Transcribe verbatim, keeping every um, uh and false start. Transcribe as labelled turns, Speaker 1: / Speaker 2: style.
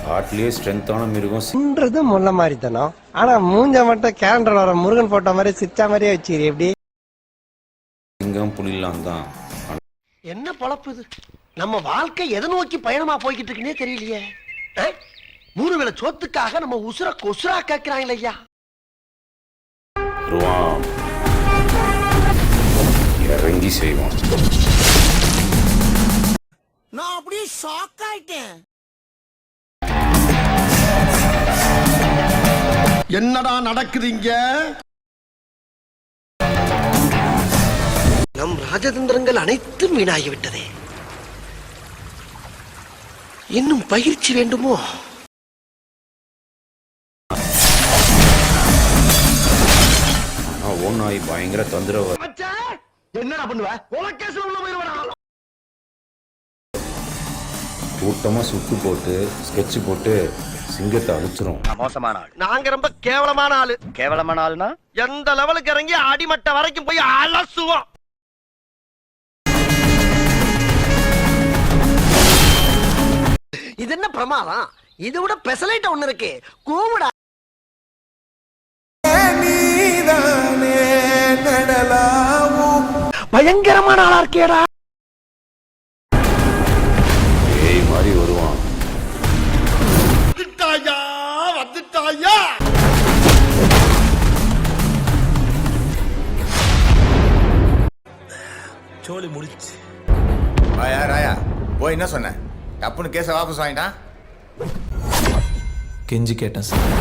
Speaker 1: காட்டிலேயே ஸ்ட்ரென்த்தான மிருகம்
Speaker 2: முள்ள மாதிரி தானோ. ஆனா மூஞ்ச மட்டும் கேலண்டர் வர முருகன் போட்டோ மாதிரி சிச்சா மாதிரியே வச்சிரு. எப்படி
Speaker 1: சிங்கம் புலிலாம் தான்.
Speaker 2: என்ன பொழப்பு இது? நம்ம வாழ்க்கை எதை நோக்கி பயணமா போய்கிட்டு இருக்குன்னே தெரியலையே. மூணு வேளை சோத்துக்காக நம்ம உசுர கொசுரா கேட்கிறாங்களே ஐயா.
Speaker 1: இறங்கி செய்வோம்.
Speaker 2: நான் அப்படியே ஷாக் ஆயிட்டேன். என்னடா நடக்குதுங்க? நம் ராஜதந்திரங்கள் அனைத்தும் வீணாகிவிட்டதே. இன்னும் பயிற்சி வேண்டுமோ?
Speaker 1: ஓநாய் பயங்கர தொந்தரவு.
Speaker 2: என்னடா பண்ணுவ?
Speaker 1: கூட்டமா சுத்து போட்டு ஸ்கெட்ச் போட்டு சிங்கத்தை அழிச்சிரும்.
Speaker 3: மோசமான ஆள்.
Speaker 2: நாங்க ரொம்ப கேவலமான ஆளு.
Speaker 3: கேவலமான ஆளுனா
Speaker 2: எந்த லெவலுக்கு இறங்கி அடிமட்ட வரைக்கும் போய் அலசுவோம். இது என்ன பிரமாதம்? இது விட பெசலைட் ஒண்ணு இருக்கு. கூவுடா. பயங்கரமான ஆளா இருக்கேடா.
Speaker 1: ஏய் மாதிரி வருவான்.
Speaker 2: வந்துட்டாயா வந்துட்டாயா.
Speaker 4: சோலி முடிச்சு.
Speaker 5: ராயா ராயா போய் என்ன சொன்ன? டப்புன்னு கேஸை வாபஸ் வாங்கிட்டான்.
Speaker 4: கெஞ்சி கேட்டேன் சார்.